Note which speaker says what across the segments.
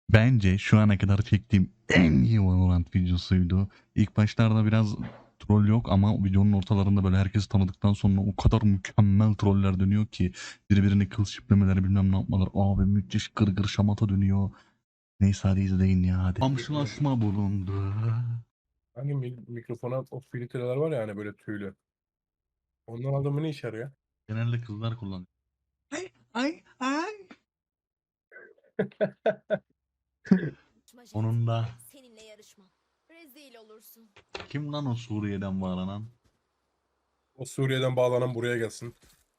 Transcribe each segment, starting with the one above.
Speaker 1: Bence şu ana kadar çektiğim en iyi Valorant videosuydu. İlk başlarda biraz troll yok ama videonun ortalarında böyle herkesi tanıdıktan sonra o kadar mükemmel troller dönüyor ki birbirini kıl şiplemeler bilmem ne yapmalar. Abi müthiş gırgır şamata dönüyor. Neyse hadi izleyin ya hadi. Kamçılaşma bulundu.
Speaker 2: Hani mikrofona o filtreler var ya hani böyle tüylü. Ondan adamı ne işe yarıyor?
Speaker 1: Genelde kızlar kullanıyor. Ay ay ay. Onun da
Speaker 3: Seninle yarışmam. Rezil olursun.
Speaker 1: kim lan o Suriye'den bağlanan?
Speaker 2: O Suriye'den bağlanan buraya gelsin.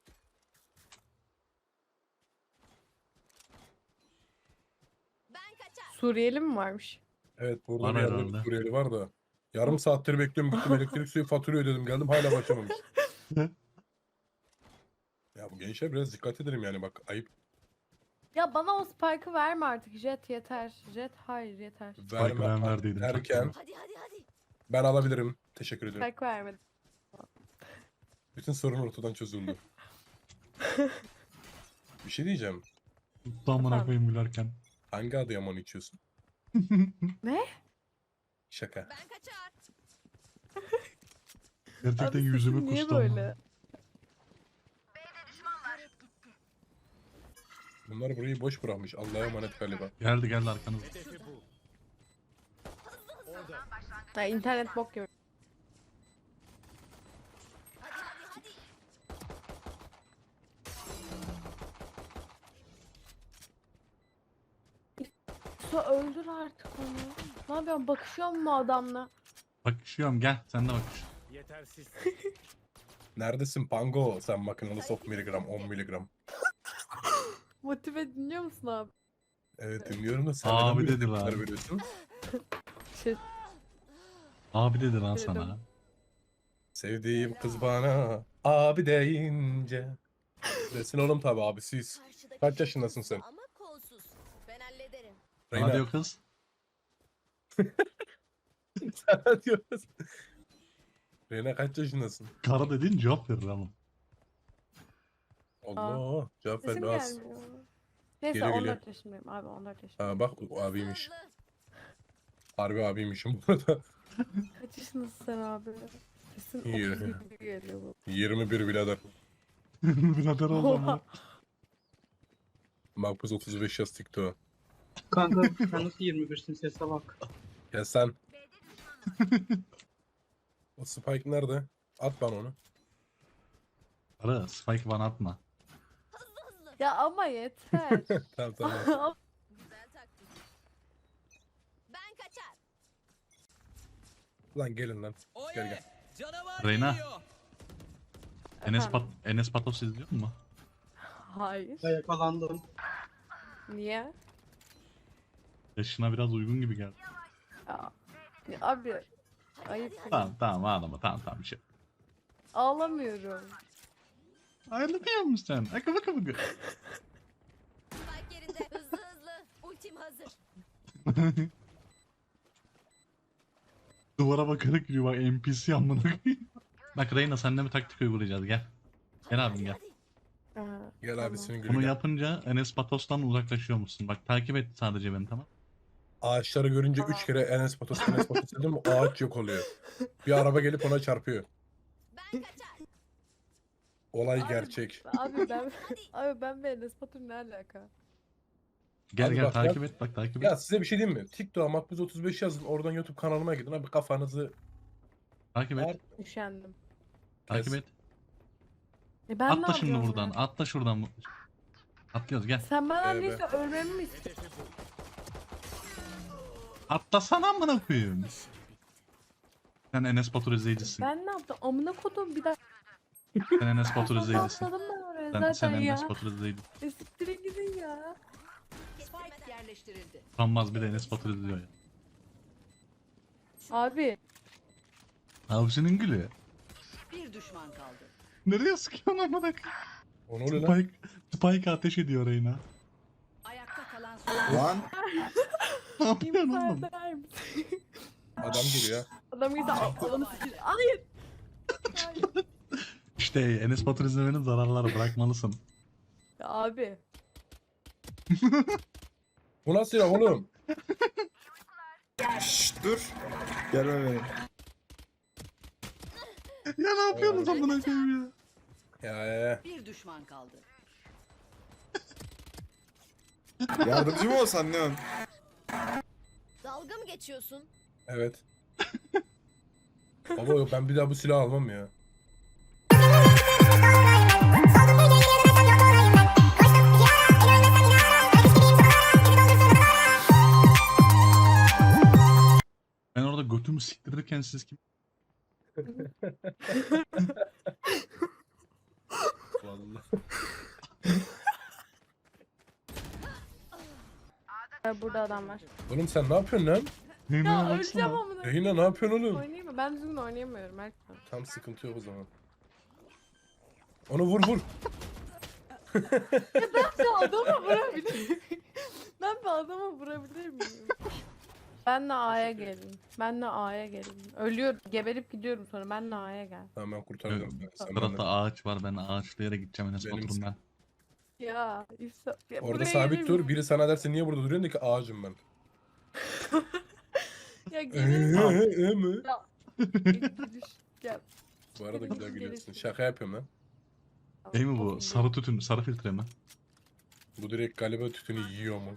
Speaker 3: Ben kaçar.
Speaker 4: Suriyeli mi varmış?
Speaker 2: Evet burada
Speaker 1: Var
Speaker 2: bir yerde bir
Speaker 1: herhalde.
Speaker 2: Suriyeli var da. Yarım saattir bekliyorum gittim elektrik suyu fatura ödedim geldim hala başlamamış. Ya bu gençler biraz dikkat edelim yani bak ayıp.
Speaker 4: Ya bana o spike'ı verme artık. Jet yeter. Jet hayır yeter.
Speaker 2: Verme
Speaker 1: ben verdiydim,
Speaker 2: derken
Speaker 3: Hadi hadi hadi.
Speaker 2: ben alabilirim. Teşekkür ederim.
Speaker 4: Spike vermedi.
Speaker 2: Bütün sorun ortadan çözüldü. Bir şey diyeceğim.
Speaker 1: Tuttu amına
Speaker 4: Efendim?
Speaker 1: koyayım gülerken.
Speaker 2: Hangi Adıyaman içiyorsun?
Speaker 4: Ne?
Speaker 2: Şaka.
Speaker 3: Ben kaçar.
Speaker 1: Gerçekten
Speaker 4: Abi
Speaker 1: yüzüme
Speaker 4: sesin niye
Speaker 1: kustu ama.
Speaker 4: böyle?
Speaker 2: Bunlar burayı boş bırakmış. Allah'a emanet galiba.
Speaker 1: Geldi geldi arkanızda.
Speaker 4: Ha, internet bok gibi.
Speaker 3: Hadi hadi hadi.
Speaker 4: Su öldür artık onu. Ne yapıyorsun? Bakışıyor mu adamla?
Speaker 1: Bakışıyorum gel sen de bakış.
Speaker 5: Yetersiz.
Speaker 2: Neredesin Pango? Sen makinalı soft miligram 10 miligram.
Speaker 4: Motive dinliyor musun abi?
Speaker 2: Evet dinliyorum da sen
Speaker 1: Abi
Speaker 2: neden böyle
Speaker 1: dedi lan.
Speaker 2: tepkiler veriyorsun?
Speaker 4: Şey,
Speaker 1: Abi dedi lan
Speaker 4: Dedim.
Speaker 1: sana.
Speaker 2: Sevdiğim kız bana abi deyince. Desin oğlum tabi abisiyiz.
Speaker 3: Karşıdaki
Speaker 2: Kaç yaşındasın
Speaker 3: güçlü
Speaker 2: sen?
Speaker 3: Ama kolsuz. Ben hallederim.
Speaker 1: Sana
Speaker 2: Reyna.
Speaker 1: diyor kız.
Speaker 2: Sana diyoruz. Reyna kaç yaşındasın?
Speaker 1: Kara dediğin cevap verir ama.
Speaker 2: Allah cevap
Speaker 4: sesim
Speaker 2: ver az.
Speaker 4: gelmiyor. Neyse
Speaker 2: Geliyor,
Speaker 4: 14 yaşındayım abi 14 yaşındayım.
Speaker 2: Ha, bak o abiymiş.
Speaker 3: Hızlı.
Speaker 2: Harbi abiymişim bu arada.
Speaker 4: Kaç yaşındasın sen abi? Sesin
Speaker 2: İyi.
Speaker 4: 30 gibi geliyor bu.
Speaker 2: 21 birader.
Speaker 1: Birader oldu ama.
Speaker 2: Makbuz 35 yaz TikTok.
Speaker 5: Kanka sen nasıl 21'sin sese bak.
Speaker 2: Ya sen. O Spike nerede? At bana onu.
Speaker 1: Ara spike bana atma.
Speaker 3: Hızlı.
Speaker 4: Ya ama yeter.
Speaker 2: Tamam tamam.
Speaker 3: Güzel taktik. Ben kaçar.
Speaker 2: Lan gelin lan. Gel gel.
Speaker 5: Canavar
Speaker 1: Reyna.
Speaker 5: geliyor.
Speaker 4: Efendim?
Speaker 1: Enes Patos izliyor mu?
Speaker 4: Hayır.
Speaker 5: Yakalandım.
Speaker 4: Niye?
Speaker 1: Yaşına biraz uygun gibi geldi.
Speaker 4: Ya abi ayıp.
Speaker 1: Tamam tamam ağlama tamam bir şey.
Speaker 4: Ağlamıyorum.
Speaker 1: Ayrılıyor musun sen? Akı bakı bakı.
Speaker 3: Spike yerinde. Hızlı hızlı. Ultim hazır.
Speaker 1: Duvara bakarak yürüyor bak NPC amına koyayım. Bak Reyna seninle bir taktik uygulayacağız gel. Gel abim gel.
Speaker 4: Aha,
Speaker 2: Gel
Speaker 4: tamam.
Speaker 2: abisinin gülü
Speaker 1: Bunu
Speaker 2: gel.
Speaker 1: yapınca Enes Patos'tan uzaklaşıyor musun? Bak takip et sadece beni tamam.
Speaker 2: Ağaçları görünce 3 kere Enes Batur dedim mi ağaç yok oluyor. Bir araba gelip ona çarpıyor.
Speaker 3: Ben kaçar.
Speaker 2: Olay
Speaker 4: Abi,
Speaker 2: gerçek.
Speaker 4: Abi ben ve Enes Batur ne alaka?
Speaker 1: Gel
Speaker 2: Abi
Speaker 1: gel
Speaker 2: bak
Speaker 1: takip et bak takip et.
Speaker 2: Ya size bir şey diyeyim mi? TikTok'a Makbuz 35 yazın. Oradan YouTube kanalıma gidin. Abi kafanızı
Speaker 1: Takip et.
Speaker 4: Üşendim.
Speaker 1: Takip
Speaker 2: kes.
Speaker 1: et.
Speaker 4: Ben ne
Speaker 1: Atla şimdi
Speaker 4: yapıyorum
Speaker 1: buradan.
Speaker 4: ya?
Speaker 1: Atla şuradan. Atlıyoruz gel.
Speaker 4: Sen bana
Speaker 2: Evet.
Speaker 4: neyse ölmemi mi istiyorsun?
Speaker 1: Atlasana amına koyayım. Sen Enes Batur izleyicisin.
Speaker 4: Ben ne yaptım? Amına kodum bir dakika.
Speaker 1: Sen Enes Batur izleyicisin.
Speaker 4: Atladım ben oraya
Speaker 1: Sen
Speaker 4: zaten ya.
Speaker 1: Enes Batur izleyicisin.
Speaker 4: Siktirin gidin ya.
Speaker 3: Spike
Speaker 6: Yerleştirildi.
Speaker 1: Utanmaz bir de Enes Batur izliyor ya.
Speaker 4: Abi
Speaker 1: Avcının gülü.
Speaker 6: Bir düşman kaldı.
Speaker 1: Nereye sıkıyorsun amına koyayım?
Speaker 2: O ne oluyor lan?
Speaker 1: Spike ateş ediyor Reyna.
Speaker 6: Ayakta kalan son.
Speaker 7: Lan
Speaker 1: Ne yapıyorsun
Speaker 4: imza
Speaker 1: oğlum?
Speaker 4: eder misin?
Speaker 2: Adam geliyor.
Speaker 4: Adam gitse adamı siktir. Hayır. Hayır.
Speaker 1: İşte Enes Batur izlemenin zararları bırakmalısın.
Speaker 4: Ya abi.
Speaker 2: Bu nasıl ya oğlum?
Speaker 7: Dur. Gelme benim.
Speaker 1: Ya ne yapıyorsunuz amına koyayım ya?
Speaker 2: Ya.
Speaker 6: Bir düşman kaldı.
Speaker 7: Yardımcı mı olsan Neon?
Speaker 3: Dalga mı geçiyorsun?
Speaker 2: Evet. Baba yok, ben bir daha bu silahı almam ya.
Speaker 1: Ben orada götümü siktirirken siz kim?
Speaker 2: Vallahi.
Speaker 4: Burada adam var.
Speaker 2: Oğlum sen ne yapıyorsun lan?
Speaker 4: Ya öleceğim amına.
Speaker 2: Yayına ne yapıyorsun oğlum?
Speaker 4: Oynayayım mı? Ben düzgün oynayamıyorum Erkan.
Speaker 2: Tam sıkıntı yok o zaman. Onu vur.
Speaker 4: Ben adama vurabilir miyim? Ben bir adama vurabilir miyim? Benle A'ya gelin. Benle A'ya gelin. Ölüyorum. Geberip gidiyorum sonra. Benle A'ya gel.
Speaker 2: Tamam ben kurtaracağım seni. Sen
Speaker 1: Sırada
Speaker 2: benden.
Speaker 1: ağaç var, ben ağaçlı yere gideceğim Enes
Speaker 2: Benim
Speaker 1: Batur'um ben.
Speaker 4: Ya, ya
Speaker 2: Orada
Speaker 4: buraya
Speaker 2: sabit
Speaker 4: gelir
Speaker 2: dur.
Speaker 4: miyim?
Speaker 2: Biri sana derse niye burada duruyorsun de ki ağacım ben.
Speaker 4: Ya gelir
Speaker 2: Mi?
Speaker 4: Ya.
Speaker 2: Bu arada
Speaker 4: Gelirsin,
Speaker 2: güzel gülüyorsun.
Speaker 4: gelirsin.
Speaker 2: Şaka yapıyorum lan.
Speaker 1: Değil mi bu? Sarı tütün, sarı filtre mi?
Speaker 2: Bu direkt galiba tütünü yiyor mu?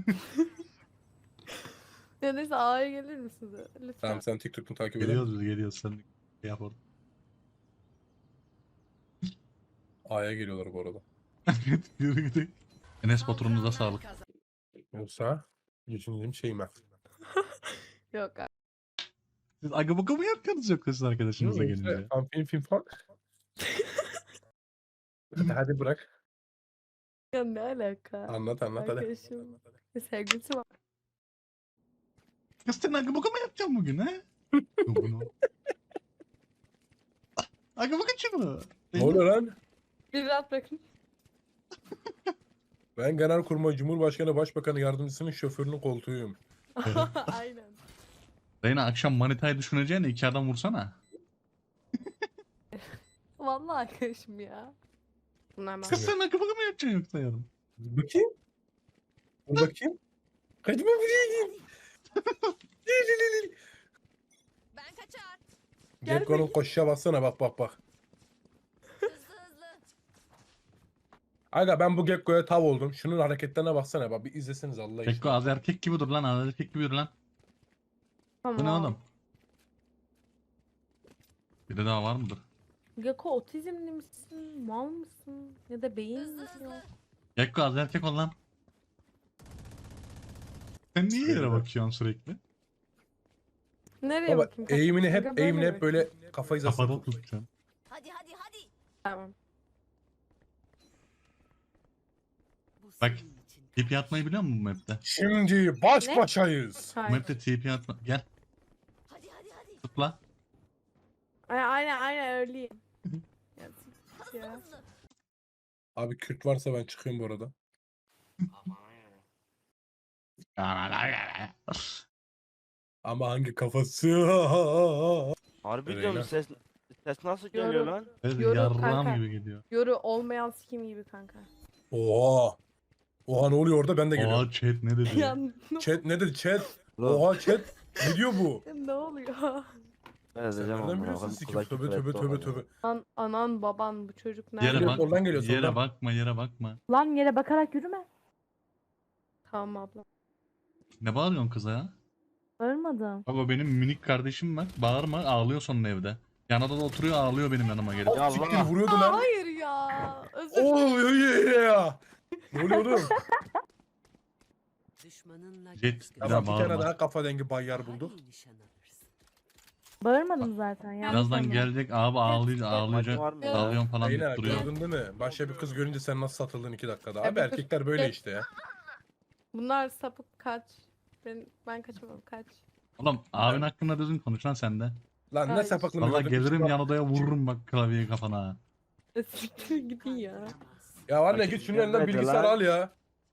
Speaker 4: Ya neyse A'ya gelir misiniz? Lütfen.
Speaker 2: Tamam sen TikTok'unu takip eder
Speaker 1: Geliyoruz biz, geliyoruz. Sen yap orada.
Speaker 2: A'ya geliyorlar bu arada.
Speaker 1: Yürü gidelim. Enes Batur'umuza
Speaker 6: Saldıranlar
Speaker 1: sağlık.
Speaker 6: kazandı.
Speaker 2: Yoksa geçineceğim şeyim ben.
Speaker 4: Yok abi.
Speaker 1: Siz aga baka mı yapıyorsunuz yoksa siz arkadaşınızla
Speaker 2: Yoksa
Speaker 1: gelince?
Speaker 2: film falan. hadi bırak.
Speaker 4: Ya ne alaka?
Speaker 2: Anlat hadi.
Speaker 4: Arkadaşım. Sevgilisi var.
Speaker 1: Kız sen aga baka mı yapacaksın bugün he? Bunu. Aga bakın şunu.
Speaker 2: Ne oluyor lan?
Speaker 4: Bir rahat bırakın.
Speaker 2: Ben Genelkurmay Cumhurbaşkanı Başbakanı Yardımcısının şoförünün koltuğuyum.
Speaker 4: Aynen.
Speaker 1: Reyna akşam manitayı düşüneceğine 2 adam vursana.
Speaker 4: Vallahi arkadaşım ya. Bunlar ben.
Speaker 1: Kız sen aga baka mı yapacaksın yoksa yarın?
Speaker 2: Bakayım. Dur bakayım. Kaçma buraya git.
Speaker 3: Ben kaçar.
Speaker 4: Gel
Speaker 2: Gekko'nun koşuşa baksana bak.
Speaker 3: Hızlı hızlı.
Speaker 2: Aga ben bu Gekko'ya tav oldum. Şunun hareketlerine baksana bak bir izleseniz Allah için.
Speaker 1: Gekko az erkek gibi dur lan, az erkek gibi dur lan. Bu ne oğlum? Biri daha var mıdır?
Speaker 4: Geko otizmli misin? Mal mısın? Ya da beyin
Speaker 3: Hızlı
Speaker 4: misin?
Speaker 3: hızlı.
Speaker 1: Gekko az erkek ol lan. Sen niye yere
Speaker 2: Söyle.
Speaker 1: bakıyorsun sürekli?
Speaker 4: Nereye
Speaker 2: Baba
Speaker 4: bakayım?
Speaker 2: eğimini
Speaker 4: Aga
Speaker 2: hep böyle
Speaker 4: bakayım.
Speaker 2: kafayı
Speaker 1: Kafada
Speaker 2: zasın.
Speaker 1: tutacaksın.
Speaker 3: Hadi.
Speaker 4: Tamam.
Speaker 6: Bu
Speaker 1: Bak.
Speaker 6: senin için.
Speaker 1: TP atmayı biliyor musun bu map'te?
Speaker 2: Şimdi baş başayız.
Speaker 1: Bu
Speaker 4: Hayır.
Speaker 1: map'te TP atma. Gel
Speaker 3: Hadi.
Speaker 1: tıkla.
Speaker 4: Aynen öyleyim. Ya,
Speaker 3: Hızlı
Speaker 4: ya.
Speaker 3: hızlı.
Speaker 2: Abi Kürt varsa ben çıkıyorum bu arada. Ama hangi kafası?
Speaker 8: Harbi
Speaker 2: Öyle
Speaker 8: diyorum
Speaker 2: lan.
Speaker 8: ses nasıl
Speaker 4: Yoru.
Speaker 8: geliyor lan?
Speaker 1: Evet,
Speaker 4: Yorum
Speaker 1: yarrağım
Speaker 4: kanka.
Speaker 1: gibi geliyor.
Speaker 4: Yoru olmayan sikim gibi kanka.
Speaker 2: Oha. Oha ne oluyor orada ben de geliyorum.
Speaker 1: Oha chat ne dedi?
Speaker 4: Ya
Speaker 2: Chat ne dedi chat?
Speaker 8: Oğlum,
Speaker 2: Oha chat. Ne diyor bu?
Speaker 4: ne oluyor?
Speaker 8: ben
Speaker 2: Sen
Speaker 8: edeceğim
Speaker 2: nereden
Speaker 8: ama.
Speaker 2: biliyorsun
Speaker 8: Bakın
Speaker 2: sikim?
Speaker 8: kulak
Speaker 2: Tövbe
Speaker 8: küfür
Speaker 2: tövbe
Speaker 8: etti
Speaker 2: tövbe
Speaker 8: orada.
Speaker 2: tövbe.
Speaker 4: Anan baban bu çocuk nerede?
Speaker 1: Yere
Speaker 2: Geliyor,
Speaker 1: bak,
Speaker 2: soldan geliyor,
Speaker 1: yere
Speaker 2: soldan.
Speaker 1: bakma, yere bakma.
Speaker 9: Lan yere bakarak yürüme.
Speaker 4: Tamam abla.
Speaker 1: Ne bağırıyorsun kıza ya?
Speaker 9: Bağırmadım.
Speaker 1: Bak o benim minik kardeşim var. Bağırma, ağlıyor sonra evde. Yanında da oturuyor, ağlıyor benim yanıma gelip.
Speaker 8: Ya
Speaker 2: Siktir
Speaker 8: Allah.
Speaker 2: vuruyordu
Speaker 4: Aa,
Speaker 2: lan.
Speaker 4: hayır ya. Özür
Speaker 2: Oğlum ya. Ne oluyor oğlum?
Speaker 6: Düşmanınla
Speaker 1: Jet,
Speaker 6: göz göze.
Speaker 2: Tamam bir
Speaker 1: bağırma.
Speaker 2: tane daha kafa dengi bayyar bulduk.
Speaker 6: Daha iyi nişan alırsın.
Speaker 9: Bağırmadım zaten. Yanlış
Speaker 1: Birazdan
Speaker 9: anladın.
Speaker 1: gelecek abi ağlayacak,
Speaker 8: Maçı
Speaker 1: ağlayacak.
Speaker 8: var mı ya?
Speaker 1: Ağlıyorum falan
Speaker 2: Yine
Speaker 1: deyip duruyor.
Speaker 2: gördün değil mi? Başka bir kız görünce sen nasıl satıldın 2 dakikada.
Speaker 4: Ya
Speaker 2: Abi
Speaker 4: bir kız-
Speaker 2: erkekler böyle
Speaker 4: Evet.
Speaker 2: işte ya.
Speaker 4: Bunlar sapık kaç. Ben kaçamam kaç.
Speaker 1: Oğlum abin hakkında düzgün konuş lan sen de.
Speaker 2: Lan ne
Speaker 4: Ay.
Speaker 2: sapaklığını
Speaker 1: Valla
Speaker 2: gördün.
Speaker 1: gelirim
Speaker 2: Bak-
Speaker 1: yanodaya vururum bak klavyeyi kafana.
Speaker 4: Siktir gidin ya.
Speaker 6: Kandıramaz.
Speaker 2: Ya anne
Speaker 8: Bak,
Speaker 2: git şunun elinden
Speaker 8: gelmedi
Speaker 2: bilgisayar
Speaker 8: lan.
Speaker 2: al ya.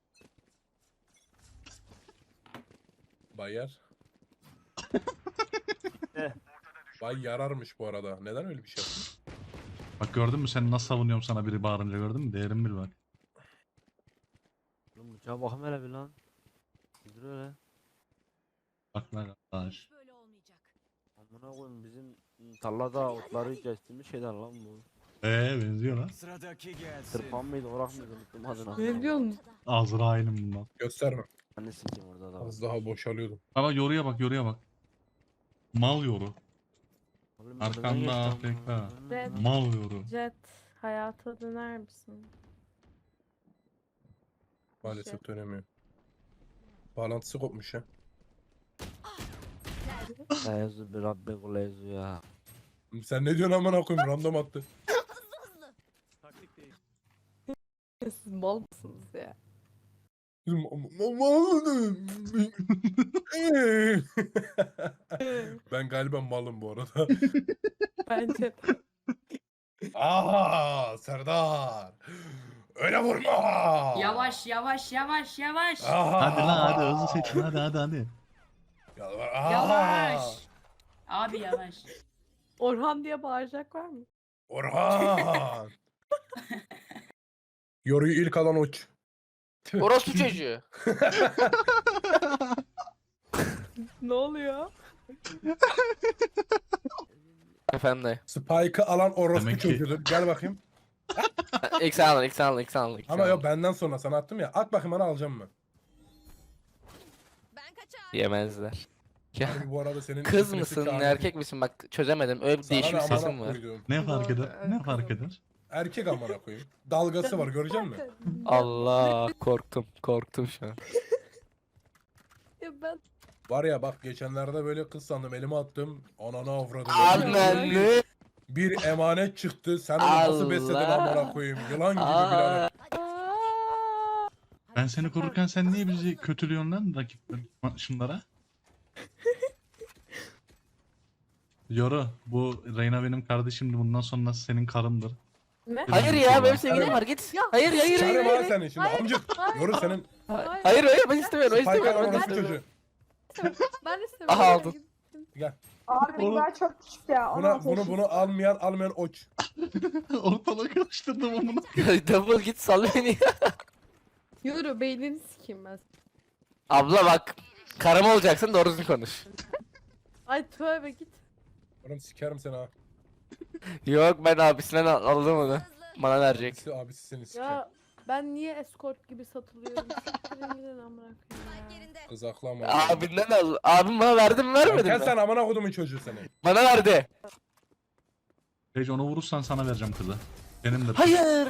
Speaker 2: Bayyar. Bay yararmış bu arada. Neden öyle bir şey yaptın?
Speaker 1: Bak gördün mü sen nasıl savunuyorum sana biri bağırınca, gördün mü? Değerim bil bak.
Speaker 8: Oğlum uçağa bakayım hele bir lan. Dur öyle.
Speaker 1: Bak lan arkadaş.
Speaker 3: Böyle
Speaker 8: Buna koyayım bizim tarlada otları kestiğimiz şeyden lan bu.
Speaker 1: Benziyor lan.
Speaker 5: Sıradaki gelsin.
Speaker 8: Tırpan mıydı orak mıydı unuttum adını.
Speaker 4: Ne diyorsun?
Speaker 1: Azrail'im bundan.
Speaker 2: Gösterme.
Speaker 8: Ben de sikeyim orada da.
Speaker 2: Az daha boşalıyordum.
Speaker 1: Ama yoruya bak yoruya bak. Mal yoru.
Speaker 8: Oğlum,
Speaker 1: Arkanda
Speaker 8: önünden geçti
Speaker 1: AFK.
Speaker 8: amına.
Speaker 4: Red.
Speaker 1: Mal yoru.
Speaker 4: Jet hayata döner misin?
Speaker 2: Maalesef dönemiyor. Bağlantısı kopmuş ya.
Speaker 8: Lezu bir Rabbi kul lezu ya.
Speaker 2: Sen ne diyorsun amına koyayım? Random attı.
Speaker 5: Taktik değil.
Speaker 4: Siz mal mısınız ya?
Speaker 2: Ben galiba malım bu arada.
Speaker 4: Bence de.
Speaker 2: Aha Serdar. Öyle vurma.
Speaker 6: Yavaş yavaş yavaş yavaş.
Speaker 2: Aha.
Speaker 1: Hadi lan hadi hızlı seçin hadi.
Speaker 2: Yalvar. Aha.
Speaker 6: Yavaş. Abi yavaş.
Speaker 4: Orhan diye bağıracak var mı?
Speaker 2: Orhan. Yoruyu ilk alan uç.
Speaker 8: Orospu çocuğu.
Speaker 4: Ne oluyor?
Speaker 8: Efendim dayı.
Speaker 2: Spike'ı alan orospu
Speaker 1: Demek ki-
Speaker 2: çocuğudur. Gel bakayım.
Speaker 8: Eksen alın.
Speaker 2: Ama yok benden sonra sana attım ya. At bakayım bana alacağım mı?
Speaker 3: Ben kaçar.
Speaker 8: Yemezler. Ya,
Speaker 2: Harbi bu arada senin
Speaker 8: kız
Speaker 2: sesi
Speaker 8: mısın
Speaker 2: çağırdım.
Speaker 8: erkek misin bak çözemedim öyle bir
Speaker 2: Sana
Speaker 8: değişik
Speaker 2: ne
Speaker 8: bir
Speaker 2: amına
Speaker 8: sesin var.
Speaker 2: koydum.
Speaker 1: Ne fark eder?
Speaker 4: Doğru,
Speaker 1: Ne
Speaker 4: evet,
Speaker 1: fark
Speaker 4: kızım.
Speaker 1: eder?
Speaker 2: Erkek amına koyayım. Dalgası var görecek misin?
Speaker 8: Allah korktum şu an.
Speaker 4: Ya ben
Speaker 2: Var ya bak geçenlerde böyle kız sandım elime attım. Ananı avradım.
Speaker 8: Ananı.
Speaker 2: Bir emanet çıktı. Sen onu nasıl besledin
Speaker 8: Allah.
Speaker 2: amına koyayım? Yılan gibi
Speaker 8: Aa.
Speaker 2: birader.
Speaker 4: Aa!
Speaker 1: Ben seni korurken sen niye bizi kötülüyorsun lan rakip şunlara? Yoru bu Reyna benim kardeşimdi bundan sonra senin karımdır.
Speaker 4: Ne?
Speaker 8: Hayır ya benim sevgilim var git. Hayır.
Speaker 2: Çağırım ha seni şimdi amcık. Yoru senin
Speaker 8: Hayır ben istemiyorum
Speaker 2: Spike alan
Speaker 8: istemiyorum.
Speaker 2: orospu çocuğu.
Speaker 4: Ben istemiyorum.
Speaker 8: Aha, aldın.
Speaker 2: Gel.
Speaker 9: Abi
Speaker 1: Oğlum.
Speaker 9: çok küçük ya.
Speaker 2: Bunu almayan oç.
Speaker 1: Ortalığı karıştırdım onu.
Speaker 8: Double git sal beni.
Speaker 4: Yürü beynini sikeyim ben.
Speaker 8: Abla bak. Karım olacaksın doğru düzgün konuş.
Speaker 4: Ay tövbe git.
Speaker 2: Oğlum sikerim seni ha.
Speaker 8: Yok ben abisinden aldım onu. Bana verecek.
Speaker 2: Abisi seni siker.
Speaker 4: Ya ben niye escort gibi satılıyorum? Siktirin gidin amına koyayım
Speaker 3: Spike
Speaker 4: ya.
Speaker 3: yerinde.
Speaker 2: Kız aklı ama.
Speaker 8: Abinden al. Abim bana verdi mi vermedi
Speaker 2: Gel
Speaker 8: mi?
Speaker 2: sen amına kodumun çocuğu seni.
Speaker 8: Bana verdi.
Speaker 1: Rage onu vurursan sana vereceğim kızı. Benimdir.
Speaker 8: Hayır.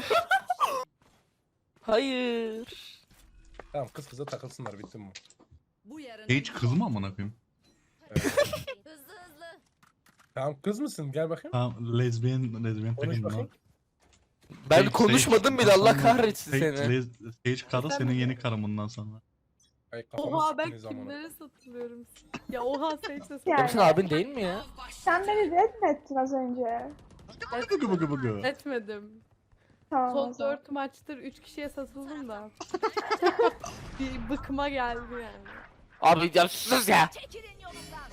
Speaker 8: Hayır.
Speaker 2: Tamam kız kıza takılsınlar bittim mi?
Speaker 6: Bu yarın.
Speaker 1: Rage kız mı amına koyayım?
Speaker 3: Hızlı hızlı.
Speaker 2: Tamam kız mısın? Gel bakayım.
Speaker 1: Tamam lezbiyen
Speaker 2: Konuş
Speaker 1: takayım
Speaker 2: bakayım.
Speaker 1: lan.
Speaker 8: Ben
Speaker 1: Sage,
Speaker 8: konuşmadım
Speaker 1: Sage,
Speaker 8: bile Allah
Speaker 1: sonra
Speaker 8: kahretsin
Speaker 1: Sage,
Speaker 8: seni.
Speaker 1: Sage karı senin yeni karın bundan sonra.
Speaker 2: Ay kafamı
Speaker 4: Oha ben
Speaker 2: siktiniz amına.
Speaker 4: kimlere satılıyorum? Ya oha sen hiç
Speaker 9: Yani.
Speaker 8: Senin abin değil mi ya?
Speaker 9: Sen beni red mi ettin az önce?
Speaker 1: Bıgı.
Speaker 4: etmedim.
Speaker 9: Tamam o
Speaker 4: Son
Speaker 9: zaman.
Speaker 4: 4 maçtır 3 kişiye satıldım da. Bir bıkıma geldi yani.
Speaker 8: Abi ya sus ya.
Speaker 3: Çekilin yolumdan.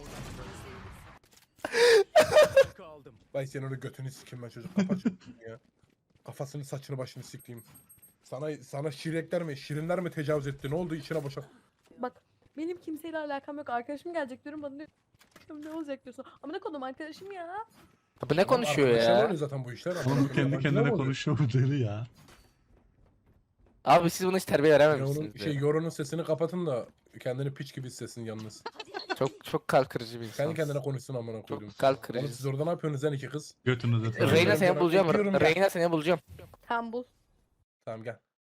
Speaker 5: Kaldım.
Speaker 2: Vay senin onu götünü sikeyim ben çocuk kapat şunu ya. Kafasını saçını başını sikeyim. Sana şirekler mi şirinler mi tecavüz etti? Ne oldu içine boşak?
Speaker 4: Bak benim kimseyle alakam yok. Arkadaşım gelecek diyorum bana diyor. Ne olacak diyorsun. Ama ne konum arkadaşım ya.
Speaker 8: Abi ne konuşuyor
Speaker 2: Arkadaşlar
Speaker 8: ya?
Speaker 2: oluyor zaten bu işler.
Speaker 1: Oğlum kendi
Speaker 2: Yabancılar
Speaker 1: kendine
Speaker 2: oluyor.
Speaker 1: konuşuyor bu deli ya.
Speaker 8: Abi siz buna hiç terbiye
Speaker 2: Ya
Speaker 8: verememişsiniz.
Speaker 2: onun Yoru'nun sesini kapatın da kendini piç gibi hissetsin yalnız.
Speaker 8: Çok kalp kırıcı bir insan.
Speaker 2: Kendi kendine konuşsun amına koydum.
Speaker 8: Çok kalp
Speaker 2: Oğlum
Speaker 8: kırıcı.
Speaker 2: siz orada ne yapıyorsunuz lan iki kız?
Speaker 1: Götünüzü
Speaker 2: Reyna
Speaker 8: Reyna
Speaker 2: seni
Speaker 8: seni bulacağım.
Speaker 2: öpüyorum ben.
Speaker 8: Reyna seni bulacağım.
Speaker 4: Tam bul.
Speaker 2: Tamam gel.